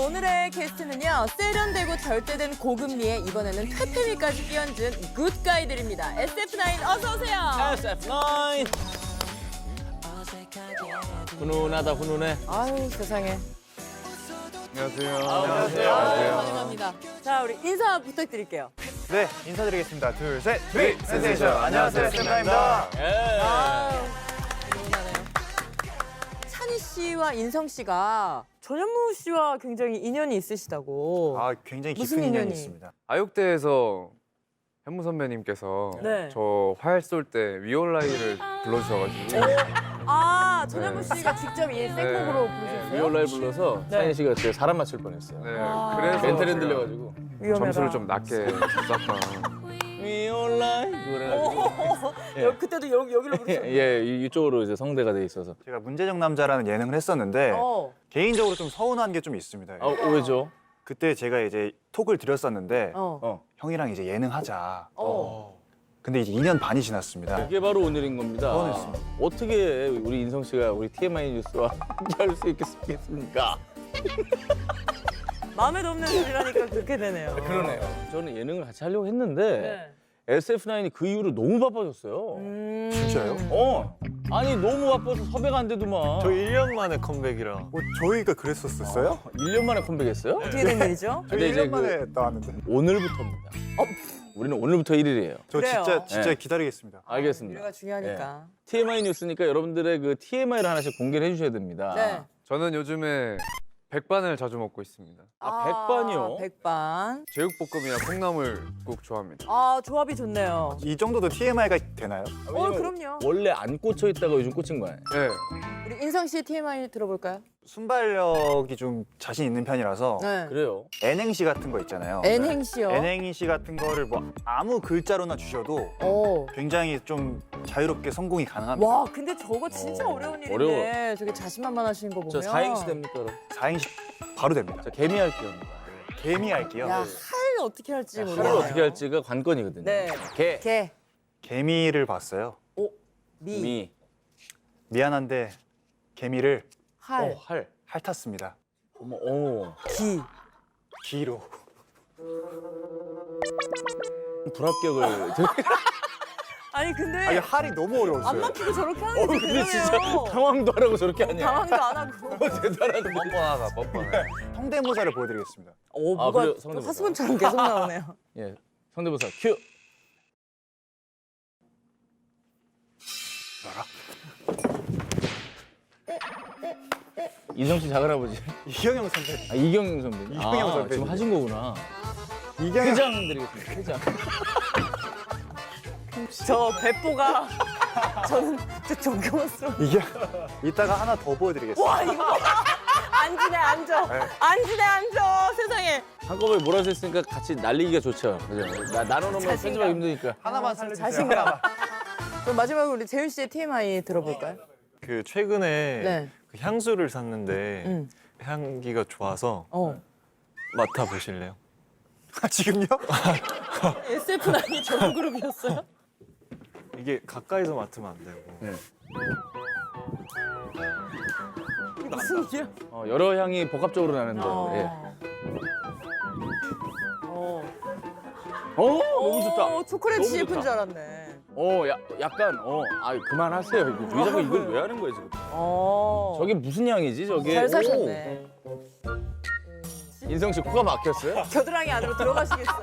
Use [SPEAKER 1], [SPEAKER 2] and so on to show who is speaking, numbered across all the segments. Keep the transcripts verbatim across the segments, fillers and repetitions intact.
[SPEAKER 1] 오늘의 게스트는요. 세련되고 절대된 고금리에 이번에는 퇴폐미까지 끼얹은 굿가이들입니다. 에스에프나인 어서 오세요.
[SPEAKER 2] 에스에프나인. 훈훈하다 훈훈해.
[SPEAKER 1] 아유 세상에.
[SPEAKER 3] 안녕하세요.
[SPEAKER 2] 안녕하세요.
[SPEAKER 1] 아유, 환영합니다. 자 우리 인사 부탁드릴게요.
[SPEAKER 3] 네, 인사드리겠습니다. 둘, 셋.
[SPEAKER 2] 네,
[SPEAKER 3] 비 센세이션. 안녕하세요, 쌤입니다.
[SPEAKER 2] 예.
[SPEAKER 1] 아유 훈훈하네요. 찬희 씨와 인성 씨가 전현무 씨와 굉장히 인연이 있으시다고.
[SPEAKER 3] 아, 굉장히
[SPEAKER 1] 무슨
[SPEAKER 3] 깊은 인연이
[SPEAKER 1] 인연이?
[SPEAKER 3] 있습니다.
[SPEAKER 4] 아육대에서 현무 선배님께서
[SPEAKER 1] 네.
[SPEAKER 4] 저 활 쏠 때 위올라이를 불러주셔가지고
[SPEAKER 1] 아 전현무
[SPEAKER 4] 네.
[SPEAKER 1] 씨가 직접 이 생곡으로 부르셨어요?
[SPEAKER 2] 위올라를 불러서
[SPEAKER 1] 네.
[SPEAKER 2] 찬희 씨가 그때 사람 맞출 뻔했어요.
[SPEAKER 4] 네,
[SPEAKER 1] 아.
[SPEAKER 4] 그래서
[SPEAKER 2] 멘탈
[SPEAKER 4] 제가
[SPEAKER 2] 흔들려가지고.
[SPEAKER 1] 위험해라.
[SPEAKER 4] 점수를 좀 낮게 줬었던.
[SPEAKER 2] 위올라이 그래가지고. 예.
[SPEAKER 1] 여- 그때도 여기 여기로 부르셨어요.
[SPEAKER 2] 예, 이- 이쪽으로 이제 성대가 돼 있어서.
[SPEAKER 3] 제가 문제적 남자라는 예능을 했었는데
[SPEAKER 1] 어.
[SPEAKER 3] 개인적으로 좀 서운한 게 좀 있습니다.
[SPEAKER 2] 아, 왜죠?
[SPEAKER 3] 그때 제가 이제 톡을 드렸었는데
[SPEAKER 1] 어.
[SPEAKER 2] 어.
[SPEAKER 3] 형이랑 이제 예능 하자.
[SPEAKER 1] 어.
[SPEAKER 3] 근데 이제 이 년 반이 지났습니다.
[SPEAKER 2] 이게 바로 오늘인 겁니다.
[SPEAKER 3] 뻔했습니다.
[SPEAKER 2] 어떻게 우리 인성 씨가 우리 티엠아이 뉴스와 함께할 수 있겠습니까?
[SPEAKER 1] 마음에도 없는 소리라니까 그렇게 되네요.
[SPEAKER 2] 그러네요. 저는 예능을 같이 하려고 했는데
[SPEAKER 1] 네.
[SPEAKER 2] 에스에프나인이 그 이후로 너무 바빠졌어요.
[SPEAKER 1] 음...
[SPEAKER 3] 진짜요?
[SPEAKER 2] 어. 아니 너무 바빠서 섭외가 안 되더만.
[SPEAKER 5] 저 일 년 만에 컴백이라.
[SPEAKER 3] 뭐 저희가 그랬었어요?
[SPEAKER 2] 일 년 만에 컴백했어요?
[SPEAKER 1] 어떻게 된 일이죠?
[SPEAKER 3] 저희
[SPEAKER 2] 근데
[SPEAKER 3] 일
[SPEAKER 2] 이제
[SPEAKER 3] 년 만에 나왔는데.
[SPEAKER 2] 오늘부터입니다.
[SPEAKER 1] 어?
[SPEAKER 2] 우리는 오늘부터 일 일이에요.
[SPEAKER 3] 저
[SPEAKER 1] 그래요.
[SPEAKER 3] 진짜 진짜
[SPEAKER 2] 네.
[SPEAKER 3] 기다리겠습니다.
[SPEAKER 2] 알겠습니다.
[SPEAKER 1] 미래가 중요하니까.
[SPEAKER 2] 티엠아이 뉴스니까 여러분들의 그 티엠아이를 하나씩 공개를 해주셔야 됩니다.
[SPEAKER 1] 네.
[SPEAKER 4] 저는 요즘에 백반을 자주 먹고 있습니다.
[SPEAKER 2] 아, 백반이요?
[SPEAKER 1] 백반.
[SPEAKER 4] 제육볶음이나 콩나물국 좋아합니다.
[SPEAKER 1] 아 조합이 좋네요.
[SPEAKER 3] 이 정도도 티엠아이가 되나요?
[SPEAKER 1] 어 그럼요.
[SPEAKER 2] 원래 안 꽂혀 있다가 요즘 꽂힌 거예요.
[SPEAKER 4] 네,
[SPEAKER 1] 우리 인성 씨의 티엠아이 들어볼까요?
[SPEAKER 3] 순발력이 좀 자신 있는 편이라서
[SPEAKER 1] 네.
[SPEAKER 2] 그래요.
[SPEAKER 3] N행시 같은 거 있잖아요.
[SPEAKER 1] N행시요.
[SPEAKER 3] N행시 같은 거를 뭐 아무 글자로나 주셔도
[SPEAKER 1] 오.
[SPEAKER 3] 굉장히 좀 자유롭게 성공이 가능합니다.
[SPEAKER 1] 와 근데 저거 진짜
[SPEAKER 2] 어,
[SPEAKER 1] 어려운 일인데
[SPEAKER 2] 어려워.
[SPEAKER 1] 저게 자신만만하시는 거 보면.
[SPEAKER 2] 저 사행시 됩니까, 그럼?
[SPEAKER 3] 사행시 바로 됩니다.
[SPEAKER 2] 저 개미 할게요.
[SPEAKER 3] 개미 할게요.
[SPEAKER 1] 야, 할 어떻게 할지
[SPEAKER 2] 하를
[SPEAKER 1] 모르겠네요.
[SPEAKER 2] 어떻게 할지가 관건이거든요.
[SPEAKER 1] 네.
[SPEAKER 2] 개,
[SPEAKER 1] 개,
[SPEAKER 3] 개미를 봤어요.
[SPEAKER 1] 오, 미,
[SPEAKER 2] 미,
[SPEAKER 3] 미안한데 개미를
[SPEAKER 1] 할,
[SPEAKER 2] 어, 할.
[SPEAKER 3] 핥았습니다.
[SPEAKER 2] 어머, 어.
[SPEAKER 1] 기.
[SPEAKER 3] 기로.
[SPEAKER 2] 불합격을.
[SPEAKER 1] 아니 근데
[SPEAKER 3] 아니 할이 너무 어려웠어요.
[SPEAKER 1] 안 막히고 저렇게 하는
[SPEAKER 2] 어,
[SPEAKER 1] 게
[SPEAKER 2] 근데 진짜
[SPEAKER 1] 대단해요.
[SPEAKER 2] 당황도 하라고 저렇게 하냐.
[SPEAKER 1] 당황도 안 하고.
[SPEAKER 2] 대단하다.
[SPEAKER 5] 뻔뻔하다, 뻔뻔해.
[SPEAKER 3] 성대모사를 보여드리겠습니다.
[SPEAKER 1] 오,
[SPEAKER 2] 아,
[SPEAKER 1] 뭐가
[SPEAKER 2] 그래요?
[SPEAKER 1] 또
[SPEAKER 2] 성대모사.
[SPEAKER 1] 하수분처럼 계속 나오네요.
[SPEAKER 2] 예, 성대모사 큐. 이성 씨 작은아버지.
[SPEAKER 3] 이경영 선배.
[SPEAKER 2] 아, 이경영 선배님.
[SPEAKER 3] 이경영
[SPEAKER 2] 아,
[SPEAKER 3] 선배님.
[SPEAKER 2] 지금 하신 거구나.
[SPEAKER 3] 이경영.
[SPEAKER 2] 회장 드리겠습니다. 회장.
[SPEAKER 1] 저 배포가 저는 진짜 존경스러워.
[SPEAKER 3] 이게 이따가 하나 더 보여드리겠습니다.
[SPEAKER 1] 와 이거 봐. 앉으네 앉아.
[SPEAKER 3] 네.
[SPEAKER 1] 앉으네 앉아. 세상에.
[SPEAKER 2] 한꺼번에 몰아서 했으니까 같이 날리기가 좋죠. 그죠? 나, 나눠놓으면
[SPEAKER 1] 자신감.
[SPEAKER 2] 편집하기 힘드니까.
[SPEAKER 3] 하나만
[SPEAKER 1] 아,
[SPEAKER 3] 살려주세요.
[SPEAKER 1] 자신감.
[SPEAKER 3] 하나만.
[SPEAKER 1] 그럼 마지막으로 우리 재윤 씨의 티엠아이 들어볼까요?
[SPEAKER 5] 그 최근에
[SPEAKER 1] 네.
[SPEAKER 5] 그 향수를 샀는데
[SPEAKER 1] 응.
[SPEAKER 5] 향기가 좋아서
[SPEAKER 1] 어.
[SPEAKER 5] 맡아 보실래요?
[SPEAKER 3] 아, 지금요?
[SPEAKER 1] 에스에프나인이 저런 그룹이었어요?
[SPEAKER 5] 이게 가까이서 맡으면 안 되고.
[SPEAKER 2] 네.
[SPEAKER 1] 이게 무슨 일이야?
[SPEAKER 2] 어, 여러 향이 복합적으로 나는데.
[SPEAKER 1] 어.
[SPEAKER 2] 예.
[SPEAKER 1] 어.
[SPEAKER 2] 어, 너무 좋다.
[SPEAKER 1] 어, 초콜릿
[SPEAKER 2] 너무
[SPEAKER 1] 씨프인
[SPEAKER 2] 좋다.
[SPEAKER 1] 줄 알았네.
[SPEAKER 2] 어, 야, 약간, 어, 아, 그만하세요. 이거 왜 자꾸 이걸 왜 하는 거예요 지금?
[SPEAKER 1] 어.
[SPEAKER 2] 저게 무슨 향이지 저게?
[SPEAKER 1] 잘 사셨네.
[SPEAKER 2] 오. 인성 씨 코가 막혔어요?
[SPEAKER 1] 겨드랑이 안으로 들어가시겠어.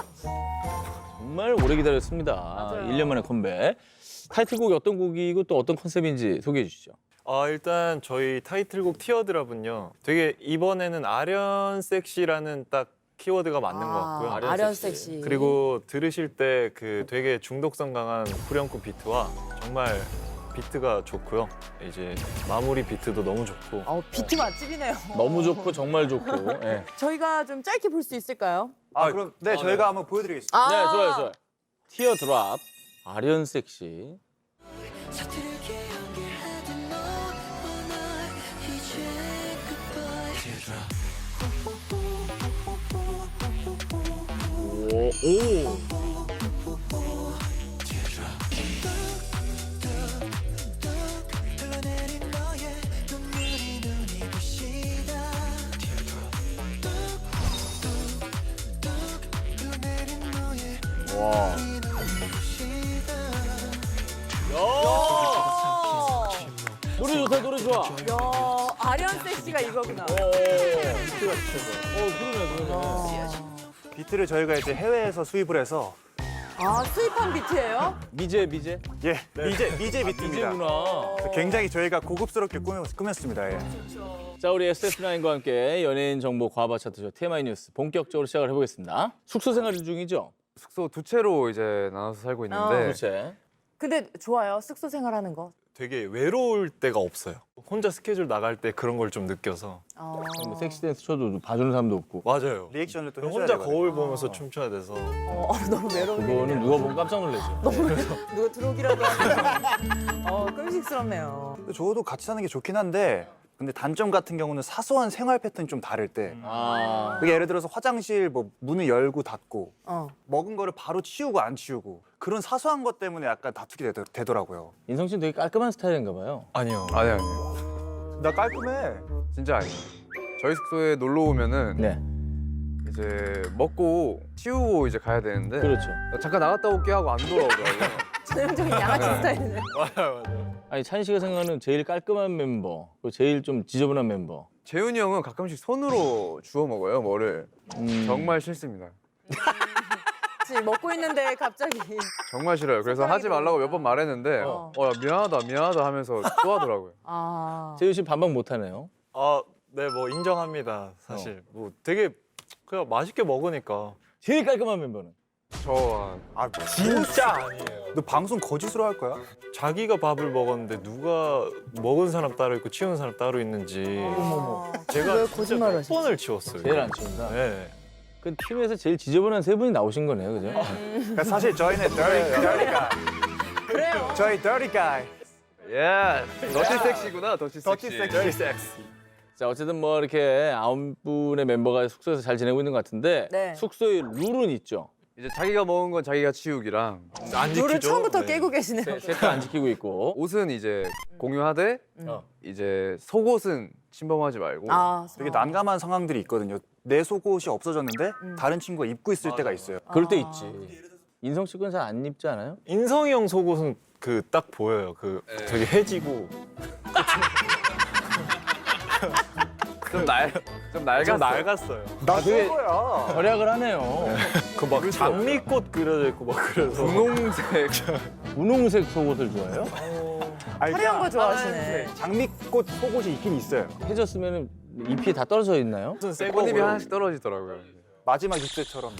[SPEAKER 2] 정말 오래 기다렸습니다.
[SPEAKER 1] 맞아요.
[SPEAKER 2] 일 년 만에 컴백. 타이틀곡이 어떤 곡이고 또 어떤 컨셉인지 소개해 주시죠.
[SPEAKER 5] 아, 일단 저희 타이틀곡 티어드랍은요. 되게 이번에는 아련 섹시라는 딱 키워드가 맞는 것 같고요.
[SPEAKER 1] 아, 아련 섹시.
[SPEAKER 5] 그리고 들으실 때 그 되게 중독성 강한 후렴구 비트와 정말 비트가 좋고요. 이제 마무리 비트도 너무 좋고.
[SPEAKER 1] 어, 비트 맛집이네요.
[SPEAKER 2] 너무 좋고 정말 좋고. 예.
[SPEAKER 1] 저희가 좀 짧게 볼 수 있을까요?
[SPEAKER 3] 아, 그럼 네, 저희가 한번 보여드리겠습니다.
[SPEAKER 1] 아,
[SPEAKER 2] 네, 좋아요, 좋아요. 티어 드랍, 아련 섹시. 오, 오. 와. 노래 좋다, 노래 좋아.
[SPEAKER 1] 야, 아련 섹시가 이거구나.
[SPEAKER 2] 어, 그러네, 그러네.
[SPEAKER 3] 비트를 저희가 이제 해외에서 수입을 해서
[SPEAKER 1] 아, 수입한 비트예요?
[SPEAKER 2] 미제, 미제?
[SPEAKER 3] 예 미제 미제 비트입니다.
[SPEAKER 2] 미제구나.
[SPEAKER 3] 굉장히 저희가 고급스럽게 꾸몄, 꾸몄습니다. 예.
[SPEAKER 2] 자, 우리 에스에프나인과 함께 연예인 정보 과바 차트쇼 티엠아이 뉴스 본격적으로 시작을 해보겠습니다. 숙소 생활 중이죠?
[SPEAKER 4] 숙소 두 채로 이제 나눠서 살고 있는데
[SPEAKER 2] 그렇지.
[SPEAKER 1] 근데 좋아요, 숙소 생활하는 거.
[SPEAKER 5] 되게 외로울 때가 없어요. 혼자 스케줄 나갈 때 그런 걸 좀 느껴서.
[SPEAKER 1] 어.
[SPEAKER 2] 뭐 섹시 댄스 쳐도 봐주는 사람도 없고.
[SPEAKER 5] 맞아요.
[SPEAKER 3] 리액션을 또 해줘야
[SPEAKER 5] 혼자
[SPEAKER 3] 되거든요.
[SPEAKER 5] 거울 보면서 춤춰야 돼서.
[SPEAKER 1] 어, 너무 외로운
[SPEAKER 2] 그거는
[SPEAKER 1] 일이네요.
[SPEAKER 2] 누가 보면 깜짝 놀라죠.
[SPEAKER 1] 누가 들어오기라도 하면 어, 끔찍스럽네요.
[SPEAKER 3] 저도 같이 사는 게 좋긴 한데 근데 단점 같은 경우는 사소한 생활 패턴이 좀 다를 때
[SPEAKER 2] 아.
[SPEAKER 3] 그게 예를 들어서 화장실 뭐 문을 열고 닫고
[SPEAKER 1] 어.
[SPEAKER 3] 먹은 거를 바로 치우고 안 치우고 그런 사소한 것 때문에 약간 다투게 되더, 되더라고요.
[SPEAKER 2] 인성 씨는 되게 깔끔한 스타일인가 봐요.
[SPEAKER 5] 아니요.
[SPEAKER 4] 아니 아니
[SPEAKER 3] 나 깔끔해.
[SPEAKER 4] 진짜 아니에요. 저희 숙소에 놀러 오면은
[SPEAKER 2] 네.
[SPEAKER 4] 이제 먹고 치우고 이제 가야 되는데
[SPEAKER 2] 그렇죠.
[SPEAKER 4] 잠깐 나갔다 올게 하고 안 돌아오더라고요.
[SPEAKER 1] 전형적인 양아치 스타일이네.
[SPEAKER 5] 맞아요, 맞아요.
[SPEAKER 2] 아니 찬 씨가 생각하는 제일 깔끔한 멤버, 그리고 제일 좀 지저분한 멤버.
[SPEAKER 4] 재훈이 형은 가끔씩 손으로 주워 먹어요 뭐를.
[SPEAKER 2] 음.
[SPEAKER 4] 정말 싫습니다.
[SPEAKER 1] 지금 먹고 있는데 갑자기.
[SPEAKER 4] 정말 싫어요. 그래서 하지 말라고 몇 번 말했는데
[SPEAKER 1] 어.
[SPEAKER 4] 어, 야, 미안하다 미안하다 하면서 또 하더라고요.
[SPEAKER 1] 아.
[SPEAKER 2] 재윤 씨 반박 못하네요.
[SPEAKER 5] 아, 네, 뭐 인정합니다. 사실 뭐 되게 그냥 맛있게 먹으니까.
[SPEAKER 2] 제일 깔끔한 멤버는?
[SPEAKER 4] 저
[SPEAKER 3] 아
[SPEAKER 5] 진짜 아니에요.
[SPEAKER 3] 너 방송 거짓으로 할 거야?
[SPEAKER 5] 자기가 밥을 먹었는데 누가 먹은 사람 따로 있고 치우는 사람 따로 있는지
[SPEAKER 1] 어머머.
[SPEAKER 5] 제가
[SPEAKER 1] 왜
[SPEAKER 5] 진짜
[SPEAKER 1] 거짓말을
[SPEAKER 5] 몇
[SPEAKER 1] 하시지?
[SPEAKER 5] 번을 치웠어요.
[SPEAKER 2] 제일 안 치운다.
[SPEAKER 5] 네.
[SPEAKER 2] 그 팀에서 제일 지저분한 세 분이 나오신 거네요, 그죠?
[SPEAKER 3] 그러니까 사실 저희는 dirty, dirty guy.
[SPEAKER 1] 그래요.
[SPEAKER 3] 저희 dirty guy.
[SPEAKER 4] 예. 더티 섹시구나 더티 섹시.
[SPEAKER 3] dirty sexy. dirty sex.
[SPEAKER 2] 자, 어쨌든 뭐 이렇게 아홉 분의 멤버가 숙소에서 잘 지내고 있는 것 같은데
[SPEAKER 1] 네.
[SPEAKER 2] 숙소에 룰은 있죠.
[SPEAKER 4] 이제 자기가 먹은 건 자기가 치우기랑
[SPEAKER 5] 안
[SPEAKER 1] 룰을
[SPEAKER 5] 지키죠?
[SPEAKER 1] 처음부터
[SPEAKER 5] 네.
[SPEAKER 1] 깨고 계시네요.
[SPEAKER 2] 세트 안 지키고 있고.
[SPEAKER 4] 옷은 이제 공유하되
[SPEAKER 2] 어.
[SPEAKER 4] 이제 속옷은 침범하지 말고.
[SPEAKER 1] 아,
[SPEAKER 3] 되게 난감한 상황들이 있거든요. 내 속옷이 없어졌는데
[SPEAKER 1] 음.
[SPEAKER 3] 다른 친구가 입고 있을 때가 있어요.
[SPEAKER 2] 그럴 때
[SPEAKER 1] 아.
[SPEAKER 2] 있지. 인성 씨 건 잘 안 입지 않아요?
[SPEAKER 5] 인성이 형 속옷은 그 딱 보여요. 그
[SPEAKER 4] 네.
[SPEAKER 5] 되게 해지고
[SPEAKER 4] 좀 날, 좀 낡았어.
[SPEAKER 5] 좀 낡았어요.
[SPEAKER 3] 나
[SPEAKER 2] 되게-
[SPEAKER 3] 거야.
[SPEAKER 2] 절약을 하네요.
[SPEAKER 5] 그 막 장미꽃 그려져 있고 막 그래서
[SPEAKER 4] 분홍색.
[SPEAKER 2] 분홍색 속옷을 좋아해요?
[SPEAKER 3] 아니,
[SPEAKER 1] 화려한 거
[SPEAKER 3] 그냥
[SPEAKER 1] 좋아하시네.
[SPEAKER 3] 장미꽃 속옷이 있긴 있어요.
[SPEAKER 2] 해졌으면 잎이 다 떨어져 있나요?
[SPEAKER 5] 무슨 새
[SPEAKER 4] 꽃잎이
[SPEAKER 5] 거고요.
[SPEAKER 4] 하나씩 떨어지더라고요.
[SPEAKER 3] 마지막 입새처럼.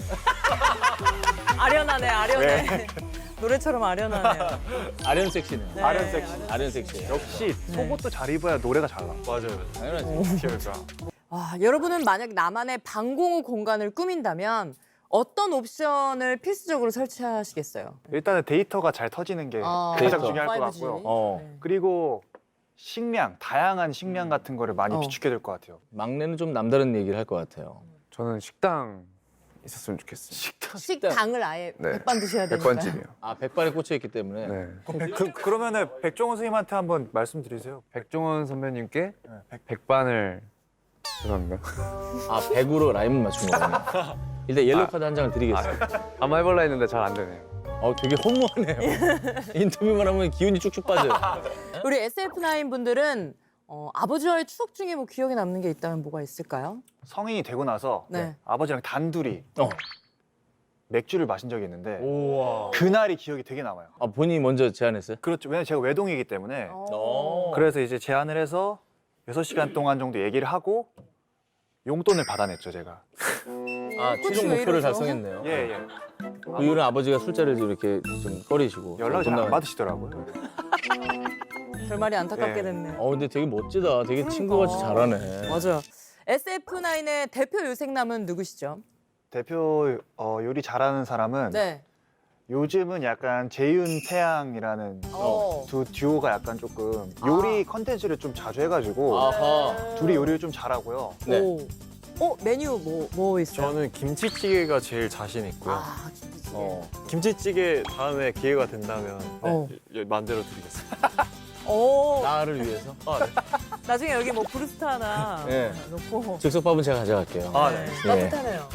[SPEAKER 1] 아련하네, 아련해. 노래처럼 아련하네요.
[SPEAKER 2] 아련 섹시네.
[SPEAKER 1] 네.
[SPEAKER 3] 아련 섹시.
[SPEAKER 2] 아련 섹시.
[SPEAKER 3] 역시 속옷도 잘 입어야 노래가 잘 나.
[SPEAKER 5] 맞아요.
[SPEAKER 2] 당연하지.
[SPEAKER 3] 그러니까.
[SPEAKER 1] 와, 여러분은 만약 나만의 방공호 공간을 꾸민다면 어떤 옵션을 필수적으로 설치하시겠어요?
[SPEAKER 3] 일단은 데이터가 잘 터지는 게
[SPEAKER 1] 어,
[SPEAKER 3] 가장
[SPEAKER 2] 데이터.
[SPEAKER 3] 중요할 것
[SPEAKER 1] 파이브지.
[SPEAKER 3] 같고요.
[SPEAKER 2] 어.
[SPEAKER 1] 네.
[SPEAKER 3] 그리고 식량, 다양한 식량 같은 거를 많이
[SPEAKER 2] 어.
[SPEAKER 3] 비축해야 될 것 같아요.
[SPEAKER 2] 막내는 좀 남다른 얘기를 할 것 같아요.
[SPEAKER 4] 저는 식당 있었으면 좋겠어요.
[SPEAKER 1] 식당을 아예
[SPEAKER 4] 네.
[SPEAKER 1] 백반 드셔야 되니까요.
[SPEAKER 4] 백반집이요.
[SPEAKER 2] 아, 백발에 꽂혀 있기 때문에.
[SPEAKER 4] 네.
[SPEAKER 3] 그, 그러면은 백종원 선생님한테 한번 말씀드리세요.
[SPEAKER 4] 백종원 선배님께
[SPEAKER 3] 네, 백-
[SPEAKER 4] 백반을 죄송합니다.
[SPEAKER 2] 아, 백으로 라임을 맞춘 거군요. 일단 옐로우 카드 한 장을 드리겠어요.
[SPEAKER 4] 아마 해볼라 했는데 잘 안 되네요.
[SPEAKER 2] 어, 되게 허무하네요. 인터뷰만 하면 기운이 쭉쭉 빠져요.
[SPEAKER 1] 우리 에스에프나인 분들은 어, 아버지와의 추억 중에 뭐 기억에 남는 게 있다면 뭐가 있을까요?
[SPEAKER 3] 성인이 되고 나서
[SPEAKER 1] 네.
[SPEAKER 3] 아버지랑 단둘이
[SPEAKER 2] 어.
[SPEAKER 3] 맥주를 마신 적이 있는데
[SPEAKER 5] 우와.
[SPEAKER 3] 그날이 기억이 되게 남아요.
[SPEAKER 2] 아, 본인이 먼저 제안했어요?
[SPEAKER 3] 그렇죠. 왜냐면 제가 외동이기 때문에
[SPEAKER 1] 어.
[SPEAKER 3] 그래서 이제 제안을 해서 여섯 시간 동안 정도 얘기를 하고 용돈을 받아냈죠, 제가.
[SPEAKER 2] 아,
[SPEAKER 1] 그치,
[SPEAKER 2] 최종
[SPEAKER 1] 왜
[SPEAKER 2] 목표를
[SPEAKER 1] 이러죠?
[SPEAKER 2] 달성했네요.
[SPEAKER 3] 예, 예.
[SPEAKER 2] 그 이후로는 아버지가 술자리를 이렇게 좀 꺼리시고.
[SPEAKER 3] 연락을 잘
[SPEAKER 2] 돈
[SPEAKER 3] 안
[SPEAKER 2] 나가-
[SPEAKER 3] 받으시더라고요.
[SPEAKER 1] 결말이 안타깝게
[SPEAKER 3] 네.
[SPEAKER 1] 됐네.
[SPEAKER 2] 어, 근데 되게 멋지다. 되게 친구같이 잘하네.
[SPEAKER 1] 맞아요. 에스에프나인의 대표 요생남은 누구시죠?
[SPEAKER 3] 대표 어, 요리 잘하는 사람은
[SPEAKER 1] 네.
[SPEAKER 3] 요즘은 약간 재윤, 태양이라는
[SPEAKER 1] 어.
[SPEAKER 3] 두 듀오가 약간 조금 요리 컨텐츠를 좀 자주 해가지고
[SPEAKER 2] 아하.
[SPEAKER 3] 둘이 요리를 좀 잘하고요.
[SPEAKER 2] 네.
[SPEAKER 1] 오. 어, 메뉴 뭐, 뭐 있어요?
[SPEAKER 5] 저는 김치찌개가 제일 자신 있고요.
[SPEAKER 1] 아, 김치찌개.
[SPEAKER 2] 어.
[SPEAKER 5] 김치찌개 다음에 기회가 된다면
[SPEAKER 1] 어.
[SPEAKER 5] 네, 만들어 드리겠습니다.
[SPEAKER 1] 오,
[SPEAKER 2] 나를 위해서.
[SPEAKER 5] 아, 네.
[SPEAKER 1] 나중에 여기 뭐 브루스타 하나
[SPEAKER 2] 네.
[SPEAKER 1] 놓고.
[SPEAKER 2] 즉석밥은 제가 가져갈게요.
[SPEAKER 5] 아, 네.
[SPEAKER 1] 따뜻하네요. 아,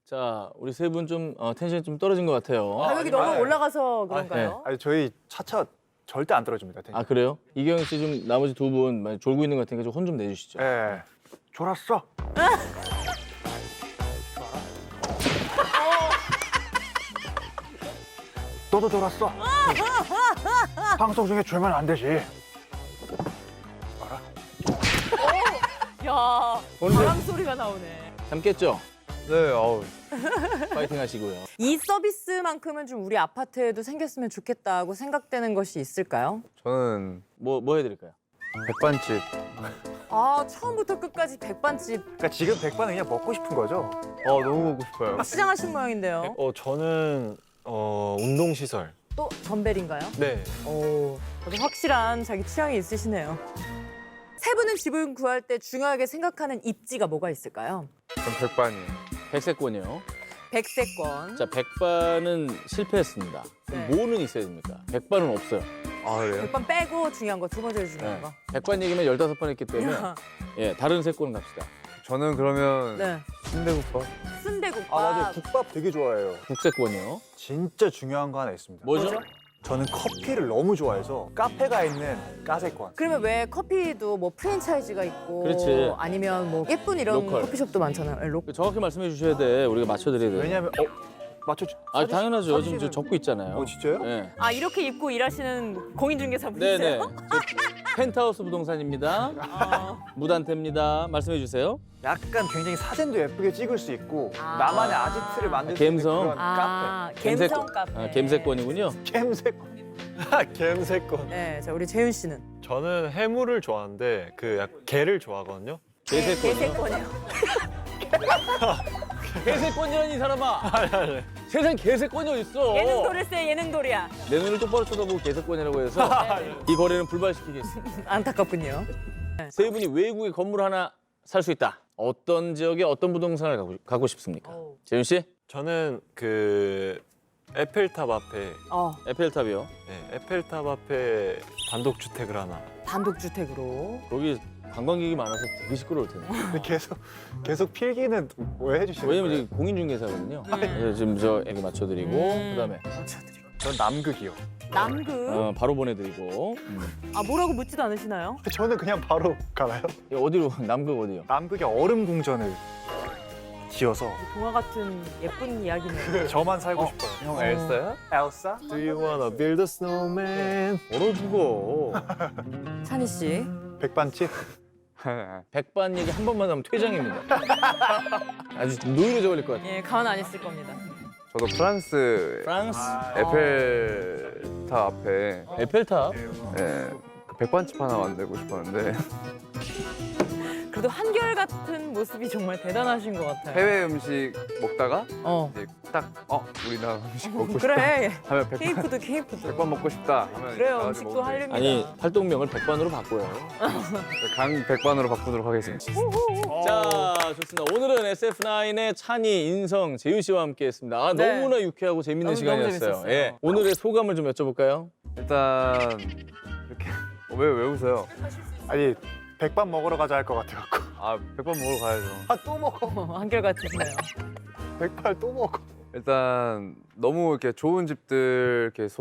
[SPEAKER 2] 자, 우리 세 분 좀 어, 텐션이 좀 떨어진 것 같아요.
[SPEAKER 1] 가격이 너무 올라가서 그런가요?
[SPEAKER 3] 아니 저희 차차 절대 안 떨어집니다.
[SPEAKER 2] 아, 그래요? 이경영 씨 좀 나머지 두 분 많이 졸고 있는 것 같으니까 좀 혼 좀 내주시죠.
[SPEAKER 3] 예. 졸았어. 너도 졸았어. 방송 중에 졸면 안 되지.
[SPEAKER 1] 야, 바람 소리가 나오네.
[SPEAKER 2] 잠 깼죠?
[SPEAKER 4] 네, 어우.
[SPEAKER 2] 파이팅 하시고요.
[SPEAKER 1] 이 서비스만큼은 좀 우리 아파트에도 생겼으면 좋겠다고 생각되는 것이 있을까요?
[SPEAKER 4] 저는
[SPEAKER 2] 뭐, 뭐 해드릴까요?
[SPEAKER 4] 백반집.
[SPEAKER 1] 아, 처음부터 끝까지 백반집
[SPEAKER 3] 그러니까 지금 백반은 그냥 먹고 싶은 거죠.
[SPEAKER 4] 어, 너무 먹고 싶어요.
[SPEAKER 1] 시장하신 모양인데요.
[SPEAKER 5] 어 저는 어 운동 시설.
[SPEAKER 1] 또 덤벨인가요?
[SPEAKER 5] 네.
[SPEAKER 1] 오, 아주 확실한 자기 취향이 있으시네요. 세 분은 집을 구할 때 중요하게 생각하는 입지가 뭐가 있을까요?
[SPEAKER 4] 전 백반이에요.
[SPEAKER 2] 백세권이요.
[SPEAKER 1] 백세권.
[SPEAKER 2] 자, 백반은 실패했습니다.
[SPEAKER 1] 네.
[SPEAKER 2] 뭐는 있어야 됩니까? 백반은 없어요.
[SPEAKER 4] 아, 그래요?
[SPEAKER 1] 백반 빼고 중요한 거 두 번째로
[SPEAKER 2] 네.
[SPEAKER 1] 중요한 거.
[SPEAKER 2] 백반 얘기만 열다섯 번 했기 때문에 예, 다른 세권 갑시다.
[SPEAKER 4] 저는 그러면
[SPEAKER 1] 네.
[SPEAKER 4] 순대국밥.
[SPEAKER 1] 순대국밥.
[SPEAKER 3] 아 맞아요. 국밥 되게 좋아해요.
[SPEAKER 2] 국세권이요.
[SPEAKER 3] 진짜 중요한 거 하나 있습니다.
[SPEAKER 2] 뭐죠?
[SPEAKER 3] 저는 커피를 너무 좋아해서 카페가 있는 카세권.
[SPEAKER 1] 그러면 왜 커피도 뭐 프랜차이즈가 있고
[SPEAKER 2] 그렇지.
[SPEAKER 1] 아니면 뭐 예쁜 이런
[SPEAKER 2] 로컬.
[SPEAKER 1] 커피숍도 많잖아요. 네, 로...
[SPEAKER 2] 정확히 말씀해 주셔야 돼. 우리가 맞춰드려야 돼.
[SPEAKER 3] 왜냐면 어 맞춰.
[SPEAKER 2] 아, 당연하죠. 지금 저 적고 있잖아요.
[SPEAKER 3] 어 진짜요?
[SPEAKER 2] 네.
[SPEAKER 1] 아 이렇게 입고 일하시는 공인중개사
[SPEAKER 2] 네네.
[SPEAKER 1] 분이세요?
[SPEAKER 2] 저 펜트하우스 부동산입니다.
[SPEAKER 1] 아,
[SPEAKER 2] 무단태입니다. 말씀해 주세요.
[SPEAKER 3] 약간 굉장히 사진도 예쁘게 찍을 수 있고
[SPEAKER 1] 아.
[SPEAKER 3] 나만의 아지트를 만들 수
[SPEAKER 2] 갬성.
[SPEAKER 3] 있는 그런
[SPEAKER 1] 아 갬성 카페.
[SPEAKER 2] 아, 갬세권이군요.
[SPEAKER 3] 카페. 갬세권.
[SPEAKER 5] 갬세권.
[SPEAKER 1] 네, 자 우리 재윤 씨는
[SPEAKER 5] 저는 해물을 좋아하는데 그 약 게를 좋아하거든요.
[SPEAKER 2] 개세권이요.
[SPEAKER 1] 개세권이요.
[SPEAKER 2] 개세권이라니 이 사람아. 세상 개세권이 어딨어.
[SPEAKER 1] 예능 도리세 예능 도리야.
[SPEAKER 2] 내 눈을 똑바로 쳐다보고 개세권이라고 해서 이 거래는 불발시키겠습니다.
[SPEAKER 1] 안타깝군요.
[SPEAKER 2] 세 분이 외국에 건물 하나 살 수 있다. 어떤 지역에 어떤 부동산을 가고, 가고 싶습니까?
[SPEAKER 1] 오.
[SPEAKER 2] 재윤 씨?
[SPEAKER 5] 저는 그 에펠탑 앞에
[SPEAKER 1] 어,
[SPEAKER 2] 에펠탑이요.
[SPEAKER 5] 네, 에펠탑 앞에 단독 주택을 하나.
[SPEAKER 1] 단독주택으로.
[SPEAKER 2] 거기 관광객이 많아서 되게 시끄러울 텐데.
[SPEAKER 3] 근데 계속 계속 필기는 왜 해주시는
[SPEAKER 2] 왜냐면
[SPEAKER 3] 거예요?
[SPEAKER 2] 이제 공인중개사거든요. 그래서 지금 저 애기 맞춰드리고
[SPEAKER 1] 음.
[SPEAKER 2] 그다음에
[SPEAKER 1] 맞춰드리고.
[SPEAKER 3] 전 남극이요.
[SPEAKER 1] 남극.
[SPEAKER 2] 어, 바로 보내드리고 음.
[SPEAKER 1] 아 뭐라고 묻지도 않으시나요?
[SPEAKER 3] 저는 그냥 바로 가나요?
[SPEAKER 2] 어디로 남극 어디요?
[SPEAKER 3] 남극의 얼음 궁전을 지어서
[SPEAKER 1] 동화 같은 예쁜 이야기네요.
[SPEAKER 3] 저만 살고
[SPEAKER 2] 어.
[SPEAKER 3] 싶어요.
[SPEAKER 4] 형 엘사야?
[SPEAKER 3] 엘사?
[SPEAKER 5] Do you wanna build a snowman?
[SPEAKER 2] 얼어 죽어.
[SPEAKER 1] 찬희 씨.
[SPEAKER 3] 백반집?
[SPEAKER 2] 백반 얘기 한 번만 하면 퇴장입니다. 아주 노이로져 걸릴 것 같아요.
[SPEAKER 1] 예, 가만 안 있을 겁니다.
[SPEAKER 4] 저도 프랑스
[SPEAKER 2] 프랑스
[SPEAKER 4] 에펠탑 앞에
[SPEAKER 2] 에펠탑.
[SPEAKER 4] 예, 그 백반집 하나 만들고 싶었는데
[SPEAKER 1] 그래도 한결같은 모습이 정말 대단하신 것 같아요.
[SPEAKER 4] 해외 음식 먹다가
[SPEAKER 1] 어.
[SPEAKER 4] 이제 딱 어, 우리나라 음식 먹고 싶다
[SPEAKER 1] 그래.
[SPEAKER 4] 하면 백반,
[SPEAKER 1] 케이푸드 케이푸드.
[SPEAKER 4] 백반 먹고 싶다 하면
[SPEAKER 1] 그래요.
[SPEAKER 4] 가가지고
[SPEAKER 1] 음식도
[SPEAKER 4] 먹으면
[SPEAKER 1] 하려면.
[SPEAKER 2] 아니 활동명을 백반으로 바꿔요.
[SPEAKER 4] 강 백반으로 바꾸도록 하겠습니다.
[SPEAKER 2] 자, 좋습니다. 오늘은 에스에프나인의 찬이, 인성, 재윤 씨와 함께했습니다. 아,
[SPEAKER 1] 네.
[SPEAKER 2] 너무나 유쾌하고 재밌는
[SPEAKER 1] 너무,
[SPEAKER 2] 시간이었어요.
[SPEAKER 1] 너무 재밌었어요.
[SPEAKER 2] 예, 오늘의 소감을 좀 여쭤볼까요?
[SPEAKER 4] 일단 이렇게 어, 왜, 왜 웃어요?
[SPEAKER 3] 아니 백반 먹으러 가자 할 것 같아갖고.
[SPEAKER 4] 아 백반 먹으러 가야죠.
[SPEAKER 3] 아 또 먹어.
[SPEAKER 1] 어, 한결같으시네요.
[SPEAKER 3] 백발 또 먹어.
[SPEAKER 4] 일단 너무 이렇게 좋은 집들 이렇게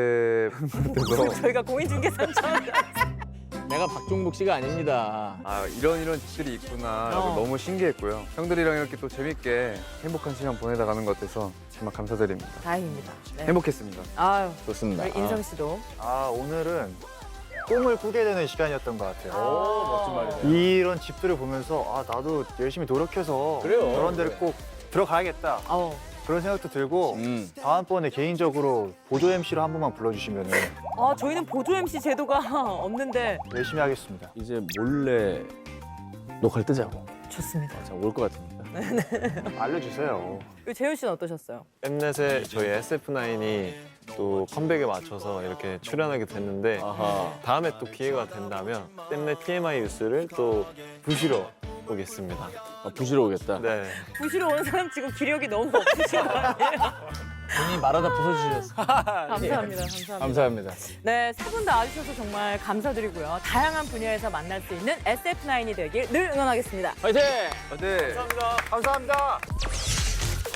[SPEAKER 4] 소개돼서
[SPEAKER 1] 저희가 공인중개사처럼.
[SPEAKER 2] 내가 박종복 씨가 아닙니다.
[SPEAKER 4] 아 이런 이런 집들이 있구나 라고
[SPEAKER 1] 어.
[SPEAKER 4] 너무 신기했고요. 형들이랑 이렇게 또 재밌게 행복한 시간 보내다 가는 것 같아서 정말 감사드립니다.
[SPEAKER 1] 다행입니다. 네.
[SPEAKER 4] 행복했습니다.
[SPEAKER 1] 아유,
[SPEAKER 2] 좋습니다.
[SPEAKER 1] 우리 인성 씨도.
[SPEAKER 3] 아 오늘은 꿈을 꾸게 되는 시간이었던 것 같아요.
[SPEAKER 2] 오, 멋진 말이네요.
[SPEAKER 3] 이런 집들을 보면서 아 나도 열심히 노력해서
[SPEAKER 2] 그래요.
[SPEAKER 3] 저런 데를 꼭 들어가야겠다
[SPEAKER 1] 어.
[SPEAKER 3] 그런 생각도 들고
[SPEAKER 2] 음.
[SPEAKER 3] 다음번에 개인적으로 보조 엠씨로 한 번만 불러주시면
[SPEAKER 1] 아, 저희는 보조 엠씨 제도가 없는데
[SPEAKER 3] 열심히 하겠습니다.
[SPEAKER 2] 이제 몰래 녹화를 뜨자고.
[SPEAKER 1] 좋습니다.
[SPEAKER 2] 자, 올 것 같으니까.
[SPEAKER 3] 알려주세요.
[SPEAKER 1] 그리고 재윤 씨는 어떠셨어요?
[SPEAKER 5] 엠넷에 저희 에스에프나인이 또 컴백에 맞춰서 이렇게 출연하게 됐는데
[SPEAKER 2] 아하.
[SPEAKER 5] 다음에 또 기회가 된다면 엠넷 티엠아이 뉴스를 또 부시러 오겠습니다.
[SPEAKER 2] 아, 부시러 오겠다.
[SPEAKER 5] 네.
[SPEAKER 1] 부시러 온 사람 지금 기력이 너무 없으신 거 아니에요?
[SPEAKER 2] 본인이 말하다 부서지셨어.
[SPEAKER 1] 감사합니다. 감사합니다.
[SPEAKER 2] 감사합니다.
[SPEAKER 1] 네, 세 분 다 와주셔서 정말 감사드리고요. 다양한 분야에서 만날 수 있는 에스에프나인이 되길 늘 응원하겠습니다.
[SPEAKER 2] 화이팅!
[SPEAKER 4] 네.
[SPEAKER 3] 감사합니다.